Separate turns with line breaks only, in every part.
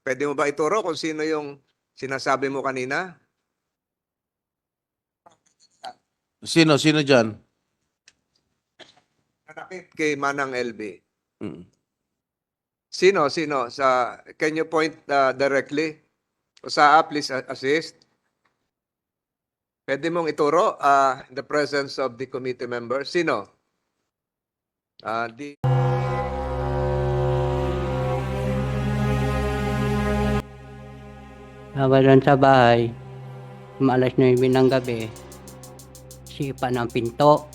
Pwede mo ba ituro kung sino yung sinasabi mo kanina?
Sino dyan?
Nanakit kay Manang LB.
Mm.
Sino? Can you point directly? Usaa, please assist. Pwede mong ituro in the presence of the committee members. Sino?
Ako doon sa bahay, maalas 9 ng gabi, sipa ng pinto.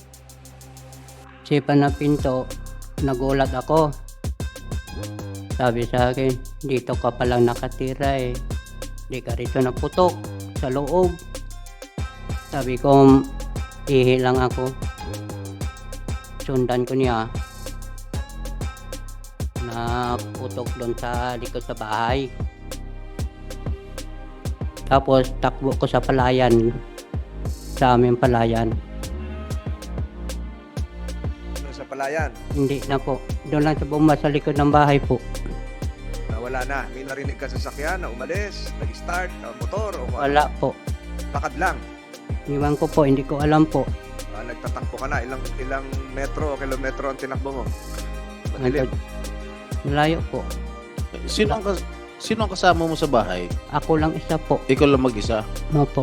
Nagulat ako. Sabi sa akin, dito ka palang nakatira eh. Di ka rito naputok sa loob. Sabi ko, ihi lang ako. Sundan ko niya. Naputok doon sa likod sa bahay. Tapos takbo ko sa palayan. Sa aming palayan.
Ano sa palayan?
Hindi na po. Doon lang sa bomba sa likod ng bahay po.
Wala na. May narinig ka sa sakyan na umalis, nag-start, motor, o
Wala po.
lakad lang.
Iwan ko po, hindi ko alam po.
Nagtatakbo ka na. Ilang metro o kilometro ang tinakbo mo? Madilim.
Malayo po.
Sino ang kasama mo sa bahay?
Ako lang isa po.
Ikaw lang mag-isa?
Opo.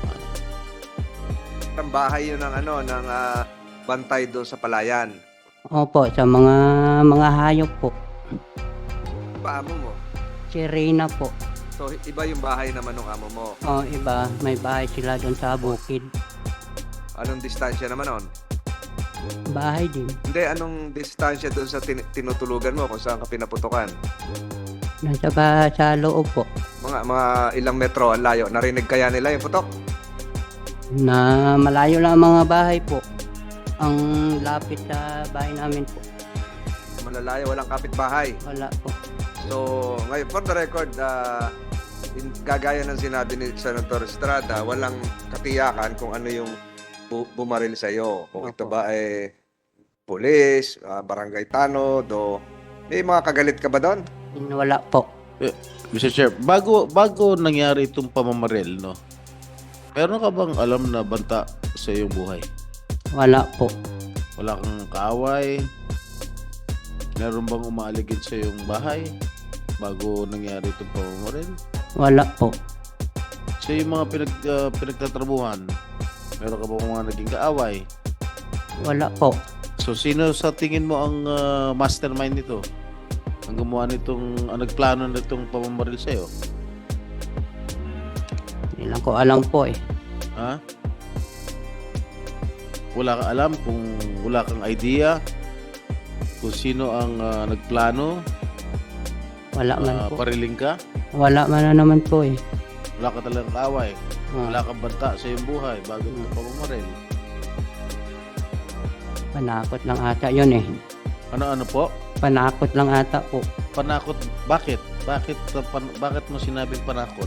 Ang bahay yun ng bantay doon sa palayan.
Opo, sa mga hayop po.
Paamo mo?
Si Reyna po.
So, iba yung bahay naman ng amo mo.
O iba, may bahay sila doon sa bukid.
Anong distansya naman nun?
Bahay din.
Hindi, anong distansya doon sa tinutulugan mo kung saan ka pinaputukan?
Sa loob po.
Mga ilang metro ang layo. Narinig kaya nila yung putok?
Na malayo lang ang mga bahay po. Ang lapit sa bahay namin po.
Malalayo, walang kapitbahay.
Wala po.
So, ngayon, for the record, kagaya ng sinabi ni Senator Estrada, walang katiyakan kung ano yung bumaril sa iyo. Kung ito ba ay pulis, barangay tanod, o may mga kagalit ka ba doon?
Wala po.
Mr. Chair, bago nangyari itong pamamaril, no? Meron ka bang alam na banta sa iyong buhay?
Wala po.
Wala kang kaaway? Meron bang umaaligid sa iyong bahay bago nangyari itong pamamaril?
Wala po.
Sa yung mga pinagtatrabuhan, meron ka bang mga naging kaaway?
Wala po.
So, sino sa tingin mo ang mastermind nito? Ang gumawa nitong, ang nagplano nitong pamamaril sa'yo?
Hindi lang ko alam po eh.
Ha? Wala kang alam kung wala kang idea kung sino ang nagplano?
Wala man po.
Pariling ka?
Wala man na naman po eh.
Wala ka talagang kaaway?
Ah,
Wala kang banta sa iyong buhay bago ito pamamaril?
Panakot lang ata yun eh.
Ano po?
Panakot lang ata po.
Panakot? Bakit? Bakit mo sinabing panakot?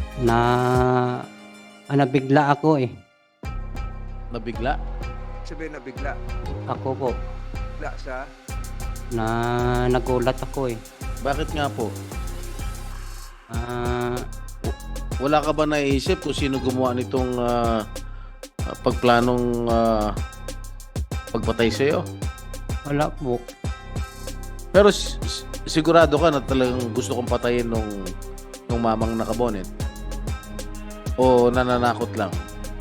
Nabigla ako eh.
Nabigla?
Sabihin na bigla.
Ako po.
Bigla sa...
Nagulat ako eh.
Bakit nga po?
Ah,
Wala ka ba naisip kung sino gumawa nitong pagplanong pagpatay sa'yo?
wala po.
Pero sigurado ka na talagang gusto kong patayin nung mamang nakabonet? O nananakot lang?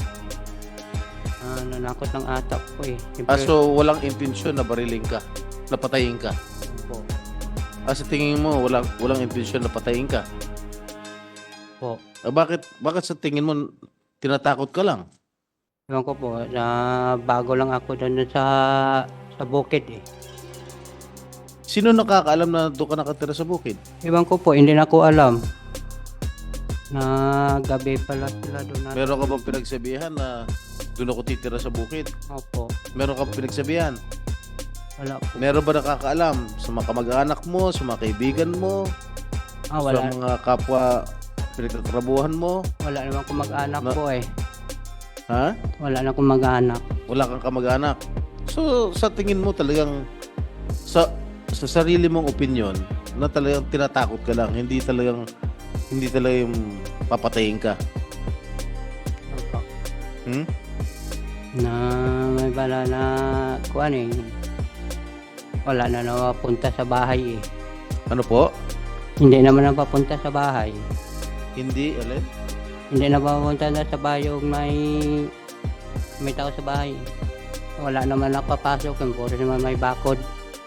Nanakot lang ata po eh. Siyempre,
So walang intensyon na bariling ka, na patayin ka?
po.
Sa tingin mo walang intensyon na patayin ka?
Po.
Bakit sa tingin mo tinatakot ka lang?
Ewan ko po, bago lang ako doon sa bukid eh.
Sino nakakaalam na doon ka nakatira sa bukid?
Ewan ko po, hindi na ko alam. Na gabi pala sila doon.
Meron ka bang pinagsabihan na doon ako titira sa bukid?
Opo.
Meron ka bang pinagsabihan?
Wala po.
Meron ba nakakaalam sa mga kamag-anak mo, sa mga kaibigan mo, sa
Wala.
mga kapwa pinagtatrabuhan mo?
Wala naman akong mag-anak
Na-
po eh.
Ha?
Wala na akong mag-anak.
Wala kang kamag-anak. So, sa tingin mo talagang sa sarili mong opinion, na talagang tinatakot ka lang, hindi talagang yung papatayin ka.
Opo.
Hmm?
Na may bala na kuan eh. Wala na napapunta sa bahay eh.
Ano po?
Hindi naman napapunta sa bahay.
Hindi, alin?
Hindi napapunta na sa bahay yung may tao sa bahay. Wala naman nakapasok, yung puro naman may bakod.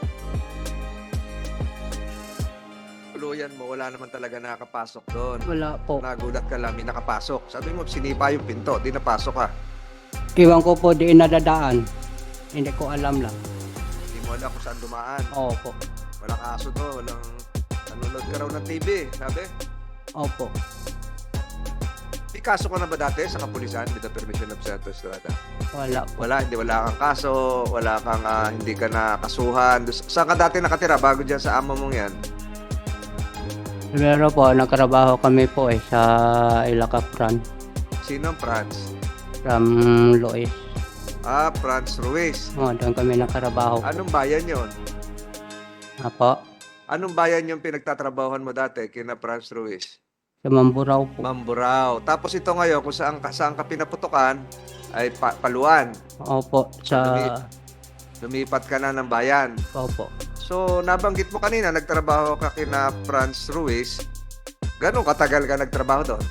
Tuluyan mo, wala naman talaga nakapasok doon.
Wala po.
Nagulat ka lang, may nakapasok. Sabi mo, sinipa yung pinto, di napasok ka.
Iwan ko po di nadadaan. Hindi ko alam lang.
Hindi mo alam kung saan dumaan.
Opo.
Walang aso to, walang nanonood ka raw ng TV, sabi.
Opo.
May kaso ka na ba dati sa kapulisan with the permission of Senator Estrada?
Wala po.
Wala kang kaso, wala kang hindi ka nakasuhan. Saan ka dati nakatira bago dyan sa amo mong yan?
Pero po, nagtrabaho kami po sa Ilacapran.
Sino ang Franz?
From Lois.
Franz Ruiz.
Doon kami nagtrabaho.
Anong bayan yon?
Apo.
Anong bayan yung pinagtatrabahoan mo dati kina Franz Ruiz?
Sa Mamburao po.
Mamburao. Tapos ito ngayon, kung saan ka pinaputukan, ay Paluan.
Opo.
Lumipat ka na ng bayan.
Opo.
So, nabanggit mo kanina, nagtrabaho ka kina Franz Ruiz. Ganong katagal ka nagtrabaho doon?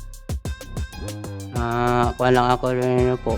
Kuha lang ako rin po.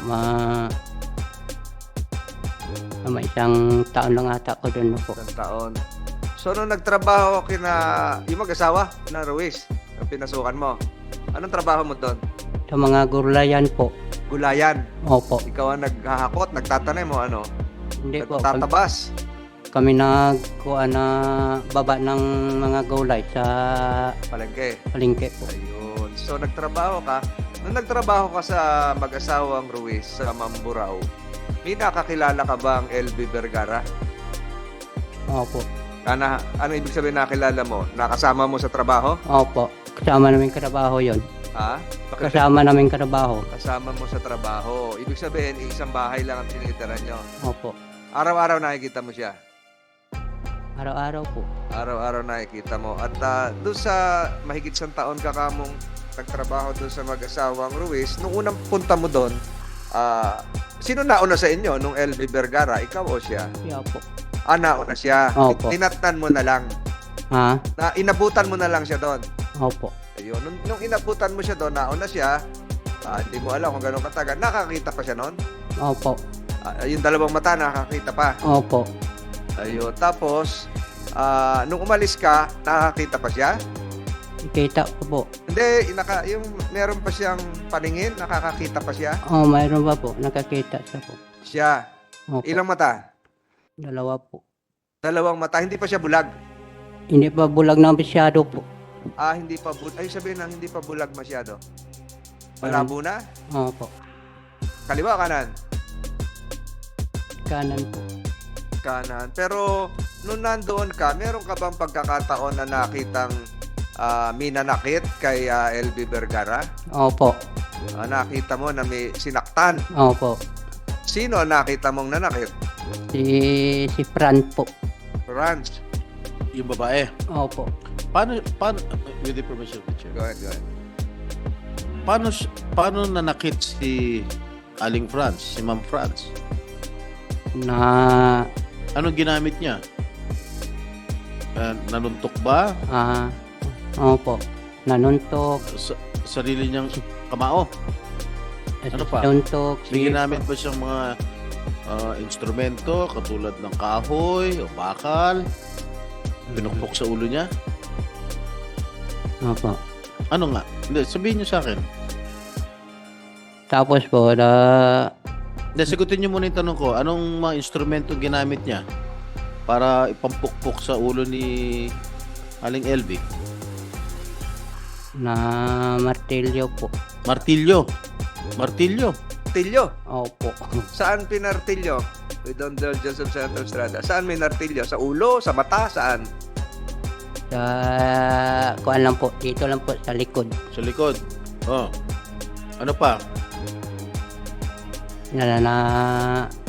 Isang taon lang ata ko doon po.
Isang taon. So, nung nagtrabaho kina yung mag-asawa na Ruiz, ang pinasukan mo, anong trabaho mo doon?
Sa mga gulayan po.
Gulayan.
Opo.
Ikaw ang naghahakot, nagtatanim mo, ano?
Hindi po.
Nagtatabas.
Kami nagkuha na baba ng mga gulay sa
Palengke.
palengke po.
Ayun. So, nagtrabaho ka. Nung nagtrabaho ka sa mag-asawang Ruiz sa Mamburao, may nakakilala ka bang LB Vergara?
Opo.
Ano ibig sabihin nakilala mo? Nakasama mo sa trabaho?
Opo. Kasama namin trabaho yon.
Ha? Bakit
Kasama namin trabaho.
kasama mo sa trabaho? Ibig sabihin, isang bahay lang ang tinitirahan nyo.
Opo.
Araw-araw nakikita mo siya.
Araw-araw po.
Araw-araw nakikita mo. At doon sa mahigit isang taon ka kamong nagtrabaho doon sa mag-asawang Ruiz, nung unang punta mo doon, sino nauna sa inyo? Nung LB Vergara, ikaw o siya?
Siya po.
Nauna siya.
Opo.
Tinatnan mo na lang.
Ha?
Inabutan mo na lang siya doon.
Opo.
Ayun. Nung inabutan mo siya doon, nauna siya, hindi mo alam kung gano'ng katagal. Nakakita pa siya noon?
Opo.
Yung dalawang mata, nakakita pa.
Opo.
Ayun. Tapos, nung umalis ka, nakakita pa siya?
Ikita ko po.
Hindi, yung meron pa siyang paningin, nakakakita pa siya?
Mayroon pa po. Nakakita siya po.
Siya.
Opo.
Ilang mata?
Dalawa po.
Dalawang mata. Hindi pa siya bulag.
Hindi pa bulag na masyado po.
Hindi pa bulag. Ay, sabihin na, hindi pa bulag masyado. Malabo na?
Opo.
Kaliwa o kanan?
Kanan po.
Kanan. Pero, nung nandoon ka, meron ka bang pagkakataon na nakitang minanakit kay LB Vergara?
Opo.
Nakita mo na may sinaktan.
Opo.
Sino ang nakita mong nanakit?
Si Fran po.
Franz.
Yung babae.
Opo.
Paano, with the permission of the chair,
Go ahead, go ahead.
paano nanakit si Aling Franz, si Ma'am Franz?
Na
Anong ginamit niya? Nanuntok ba?
opo. Nanuntok.
Sarili niyang kamao? Ano pa?
Nanuntok.
May ginamit ba siyang mga instrumento katulad ng kahoy o bakal? Pinukpok sa ulo niya?
Opo.
Ano nga? Hindi, sabihin niyo sa akin.
Tapos po,
Hindi, sagutin niyo muna yung tanong ko. Anong mga instrumento ginamit niya para ipampukpok sa ulo ni Aling LB?
na martilyo po.
Martilyo. Martilyo.
Martilyo.
Opo.
Saan pinartilyo? With Don Joseph Senator Estrada. Saan may nartilyo? Sa ulo? Sa mata? Saan?
Sa kuan lang po. Dito lang po sa likod.
Sa likod. Oh. Ano pa?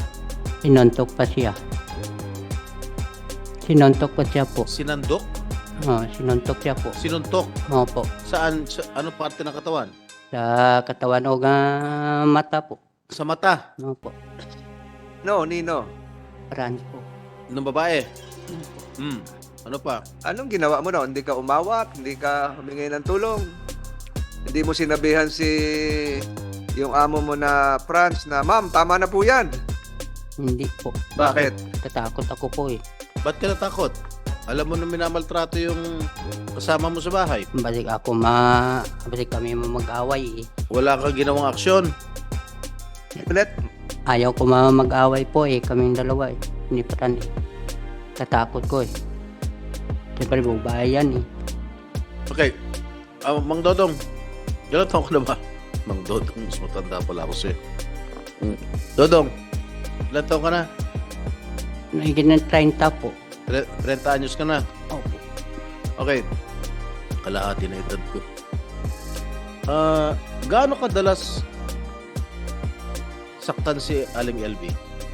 Sinuntok pa siya. Sinuntok pa siya po.
Sinandok?
Sinuntok siya po.
Sinuntok.
Opo.
Saan? Sa anong parte ng katawan?
Sa katawan o mata po.
Sa mata.
Opo.
No, Nino.
France po.
Ng babae. Ano pa?
Anong ginawa mo na? Hindi ka umawat? Hindi ka humingi ng tulong? Hindi mo sinabihan yung amo mo na Franz na, "Ma'am, tama na po yan."
Hindi po.
Bakit?
Tatakot ako po eh.
Ba't ka natakot? Alam mo na minamaltrato yung kasama mo sa bahay.
Balik kami mag-away eh.
Wala kang ginawang aksyon.
Ulit?
Ayaw ko mag-away po eh, kaming dalawa eh. Hindi pa rin eh. Tatakot ko eh. Siyempre, babae yan eh.
Okay. Mang Dodong. Ilan taon ka na ba? Mang Dodong. Mas matanda pala ako sa'yo. Dodong. Ilan taon ka na?
Nagiging ng 30 po.
30 anyos ka na.
Opo.
Okay. Kalahati na edad ko. Gaano kadalas saktan si Aling LV?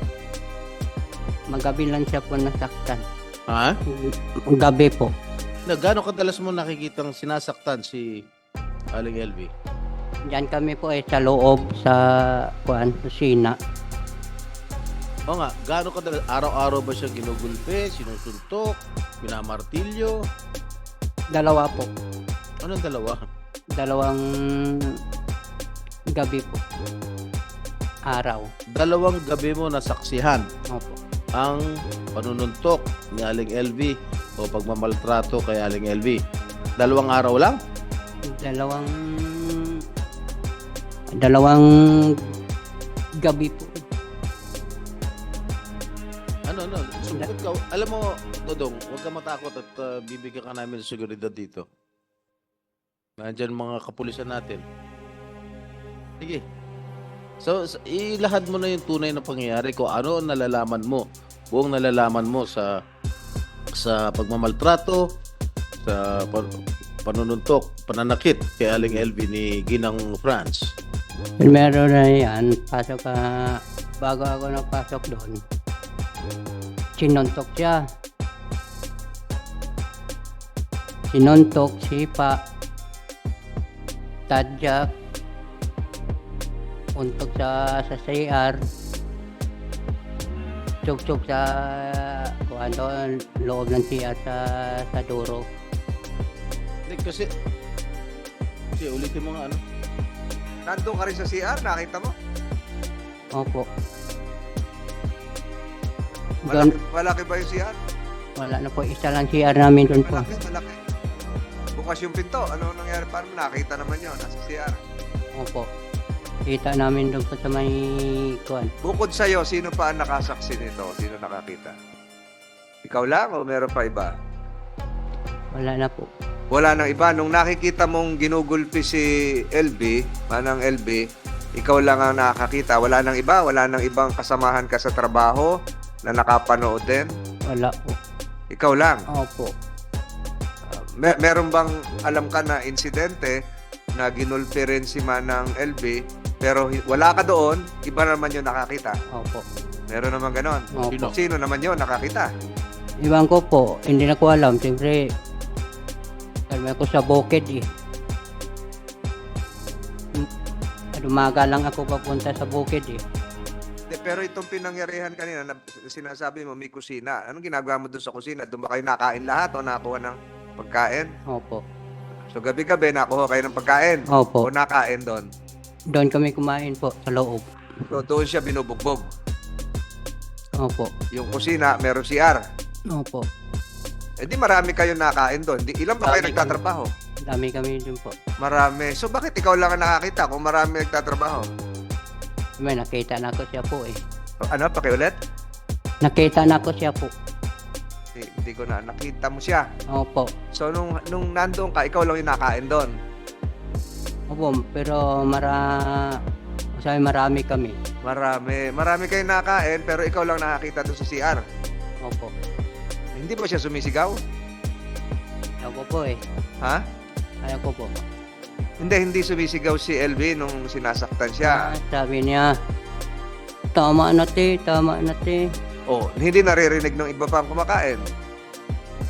Magabi lang siya po nasaktan.
Ha?
Gabi po.
Gaano kadalas mo nakikitang sinasaktan si Aling LV?
Diyan kami po eh sa loob sa kusina.
O nga, gaano kadalas? Araw-araw ba siya ginugulpe, sinusuntok, minamartilyo?
Dalawa po.
Anong dalawa?
Dalawang gabi po. Araw.
Dalawang gabi mo nasaksihan
Opo.
ang panununtok ni Aling LV o pagmamaltrato kay Aling LV. Dalawang araw lang?
Dalawang gabi po.
Ano, sumukot ka. Alam mo, Dodong, huwag ka matakot at bibigyan ka namin ng seguridad dito. Nandyan mga kapulisan natin. Sige. So, ilahad mo na yung tunay na pangyayari kung ano ang nalalaman mo. Buong nalalaman mo sa pagmamaltrato, sa panununtok, pananakit kay Aling LV ni Ginang France.
Primero na yan, bago ako napasok doon, sinuntok siya. Sinuntok, sipa, tadyak, untok sa CR, tsuk-tsuk sa loob ng CR sa duro.
Hindi, kasi ulitin mo nga ano.
Nandun ka rin sa CR, nakita mo?
Opo. Doon,
Malaki ba yung CR?
wala na po, isa lang CR namin doon po.
Malaki. Bukas yung pinto. Ano nangyari? Paano nakita naman yun? Nasa CR.
Opo. Kita namin doon po sa may
Bukod sa'yo, sino pa ang nakasaksi nito? Sino nakakita? Ikaw lang o meron pa iba?
Wala na po.
Wala nang iba. Nung nakikita mong ginugulpi si LB, manang LB, ikaw lang ang nakakita. Wala nang iba? Wala nang ibang kasamahan ka sa trabaho na nakapanood din?
Wala po.
Ikaw lang?
Opo.
Meron bang alam ka na insidente na ginulpi rin si manang LB pero wala ka doon, iba naman yung nakakita?
Opo.
Meron naman ganon?
Opo.
Sino naman yun nakakita?
Iwan ko po, hindi na ko alam. Siyempre, kalma ko sa bukid eh. Dumaga lang ako papunta sa bukid eh.
Pero itong pinangyarihan kanina, na sinasabi mo may kusina. Anong ginagawa mo doon sa kusina? Doon ba kayo nakain lahat o nakuha ng pagkain?
Opo.
So gabi-gabi nakuha kayo ng pagkain?
Opo.
O nakain doon?
Doon kami kumain po sa loob.
So doon siya binubugbog.
Opo.
Yung kusina, meron CR.
Opo.
Eh di marami kayo nakain doon. Ilan ba kayo
Dami
nagtatrabaho?
Dami kami doon po.
Marami. So bakit ikaw lang ang nakakita kung marami nagtatrabaho?
May nakita na ko siya po eh.
Ano? Pakiulit?
Nakita na ko siya po.
Hindi ko na. Nakita mo siya.
Opo.
So nung nandoon ka, ikaw lang yung nakain doon.
Opo, pero marami kami.
Marami kayong nakain pero ikaw lang nakakita doon sa CR.
Opo.
Hindi ba siya sumisigaw?
Ayaw ko po eh.
Ha?
Ayaw ko po.
Hindi sumisigaw si LB nung sinasaktan siya.
Sabi niya, tama na te.
Oh, hindi naririnig ng iba pang kumakain.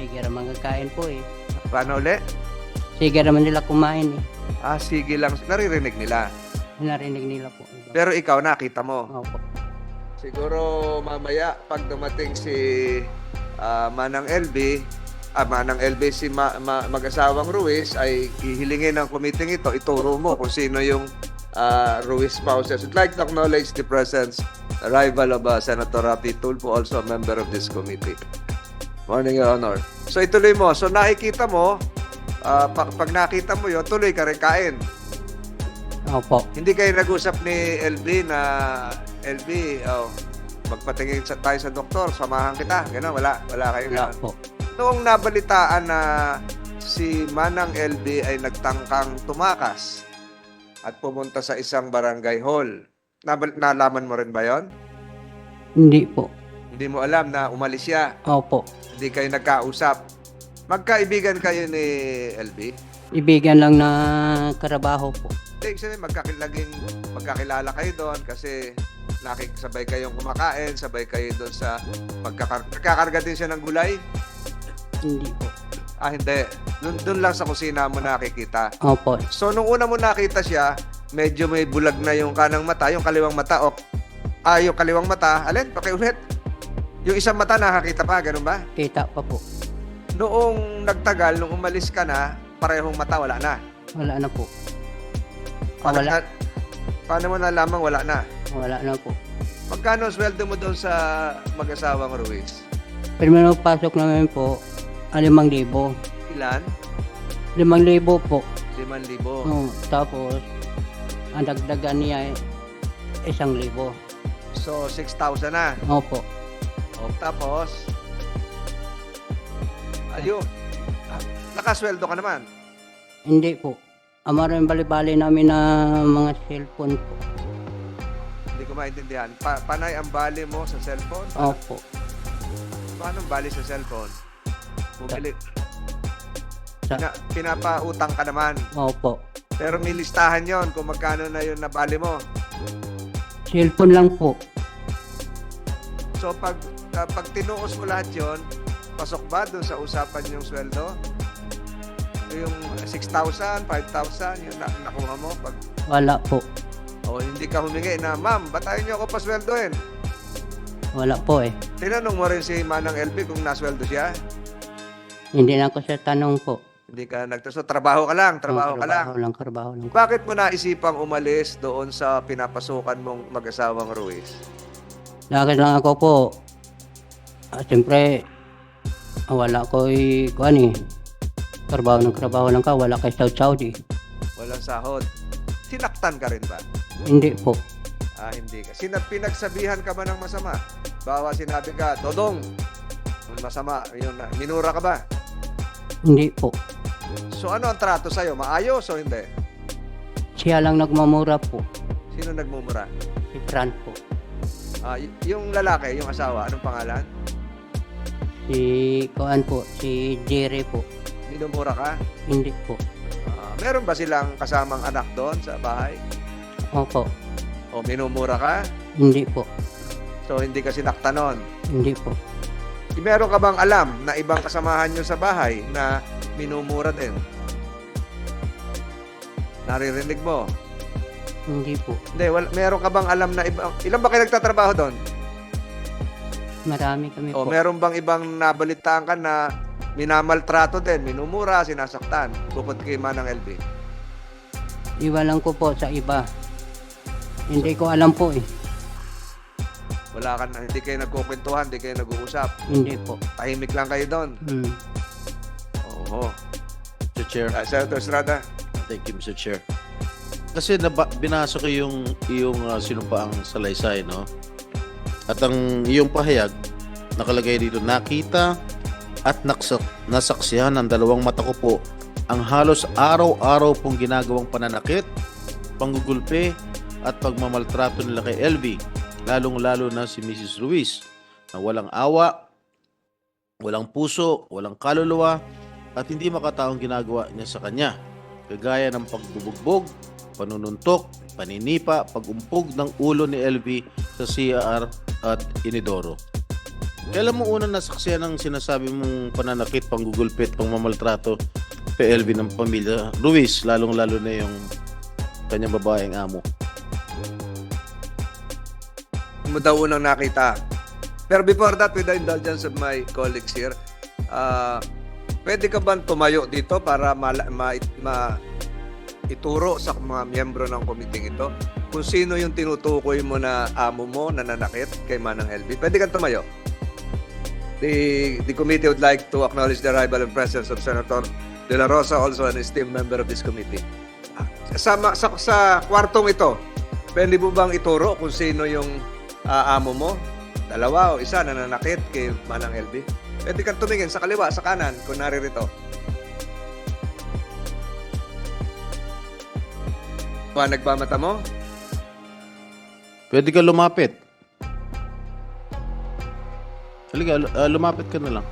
Sige naman kakain po eh.
Paano uli?
Sige naman nila kumain eh.
Sige lang. Naririnig nila.
Narinig nila po. Iba.
Pero ikaw, nakita mo.
Opo.
Siguro mamaya, pag dumating si Manang LB, si mag-asawang Ruiz, ay hihilingin ng committee ito, ituro mo kung sino yung Ruiz spouses. I'd like to acknowledge the presence, arrival of Senator Rapi Tulfo, also a member of this committee. Morning, Your Honor. So ituloy mo. So nakikita mo, pag nakita mo yun, tuloy ka rin kain.
Opo.
Hindi kayo nag-usap ni LB na, LB, magpatingin tayo sa doktor, samahan kita. Gano'n, wala kayo.
Wala
Ganun.
po.
Noong nabalitaan na si Manang LB ay nagtangkang tumakas at pumunta sa isang barangay hall, nalaman mo rin ba yon?
Hindi po.
Hindi mo alam na umalis siya.
Opo.
Hindi kayo nagkausap. Magkaibigan kayo ni LB?
Ibigan lang na karabaho po.
Hindi, kasi magkakilala kayo doon kasi nakikisabay kayong kumakain, sabay kayo doon sa nagkakarga din siya ng gulay?
Hindi po.
Hindi. Doon lang sa kusina mo nakikita.
Opo.
So, nung una mo nakita siya, medyo may bulag na yung kanang mata, yung kaliwang mata. Yung kaliwang mata, alin, pakiulit. Yung isang mata nakakita pa, ganun ba?
Kita pa po.
Noong nagtagal, nung umalis ka na, parehong mata, wala na.
Wala na po.
Wala. Paano mo nalamang wala na?
Wala na po.
Magkano ang sweldo mo doon sa mag-asawang Ruiz?
Primero pasok namin po, 5,000.
Ilan?
5,000 po.
5,000.
Tapos, ang dagdagan niya ay 1,000.
So, 6,000 na.
Opo.
Tapos, ayun. Nakasweldo ka naman.
Hindi po. Amaro yung bali-bali namin na mga cellphone po.
Hindi ko maintindihan. Panay ang bali mo sa cellphone?
Opo.
Paano ang bali sa cellphone? Bumili.
Sa-
Pinapautang ka naman.
Opo.
Pero may listahan yon kung magkano na yun na bali mo.
Cellphone lang po.
So pag tinuos mo lahat yon, pasok ba doon sa usapan yung sweldo? Yung 6,000, 5,000, yung nakuha mo pag
Wala po.
hindi ka humingi na, ma'am, batayin niyo ako pasweldohin.
Wala po eh.
Tinanong mo rin si Manang LB kung nasweldo siya?
Hindi na ako sa tanong po.
Hindi ka So, trabaho ka lang, trabaho ka lang.
Trabaho lang.
Bakit mo naisipang umalis doon sa pinapasukan mong mag-asawang Ruiz?
Lakad lang ako po. Siyempre, wala ko kuhan eh. Trabaho lang ka, wala kay Saudi.
Walang sahod. Sinaktan ka rin ba?
Hindi po.
Hindi ka. Pinagsabihan ka ba ng masama? Bawa sinabi ka, Dodong, masama, yun, minura ka ba?
Hindi po.
So ano ang trato sa'yo? Maayos o hindi?
Siya lang nagmamura po.
Sino nagmumura?
Si Fran po.
Yung lalaki, yung asawa, anong pangalan?
Si kuhan po, si Jerry po.
Minumura ka?
Hindi po.
Meron ba silang kasamang anak doon sa bahay?
Opo.
O minumura ka?
Hindi po.
So hindi ka sinaktan nun?
Hindi po.
Meron ka bang alam na ibang kasamahan nyo sa bahay na minumura din? Naririnig mo?
Hindi po.
Hindi, meron ka bang alam na ilan ba kayo nagtatrabaho doon?
Marami kami
O
po.
meron bang ibang nabalitaan ka na minamaltrato din, minumura, sinasaktan, bukod kay Manang LB?
Iwalan ko po sa iba. Hindi ko alam po eh.
Wala ka na, hindi kayo nagkukwentuhan, hindi kayo nag-uusap.
Hindi po.
Tahimik lang kayo doon. Oo.
Mr. Chair.
Senator Estrada.
Thank you, Mr. Chair. Kasi binasa ko yung sinumpaang salaysay, no? At ang iyong pahayag, nakalagay dito, nakita at nasaksihan ng dalawang mata ko po ang halos araw-araw pong ginagawang pananakit, panggugulpe at pagmamaltrato nila kay LV, lalong-lalo na si Mrs. Ruiz, na walang awa, walang puso, walang kaluluwa, at hindi makataong ginagawa niya sa kanya, kagaya ng pagbubugbog, panununtok, paninipa, pagumpog ng ulo ni LV sa CR at Inidoro. Kailan mo unang nasaksiyan ng sinasabi mong pananakit, panggugulpit, pangmamaltrato, PLV ng pamilya? Ruiz, lalong-lalo na yung kanyang babaeng amo.
Mo daw unang nakita. Pero before that, with the indulgence of my colleagues here, pwede ka bang tumayo dito para ituro sa mga miyembro ng committee ito kung sino yung tinutukoy mo na amo mo na nanakit kay Manang LV? Pwede kang tumayo. The committee would like to acknowledge the arrival and presence of Senator De La Rosa, also an esteemed member of this committee. Sa kwartong ito, pwede mo bang ituro kung sino yung amo mo? Dalawa o isa na nanakit kay Manang LV? Pwede kang tumingin sa kaliwa, sa kanan, kung naririto. Nagmamata mo?
Pwede ka lumapit. Halika, lumapit ka na lang.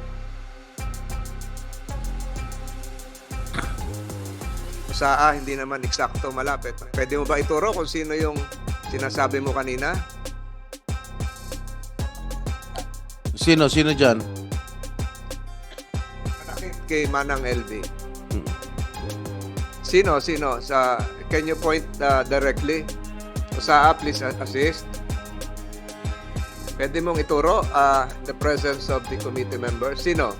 Sa hindi naman eksakto malapit. Pwede mo ba ituro kung sino yung sinasabi mo kanina?
Sino dyan?
Nanakit kay Manang LV. Sino? Can you point directly? Sa please assist. Pwede mong ituro the presence of the committee member. Sino?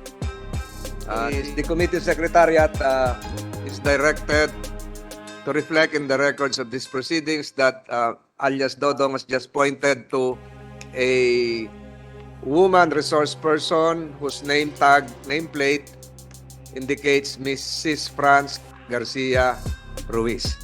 The committee secretariat is directed to reflect in the records of these proceedings that alias Dodong has just pointed to a woman resource person whose nameplate indicates Mrs. Franz Garcia Ruiz.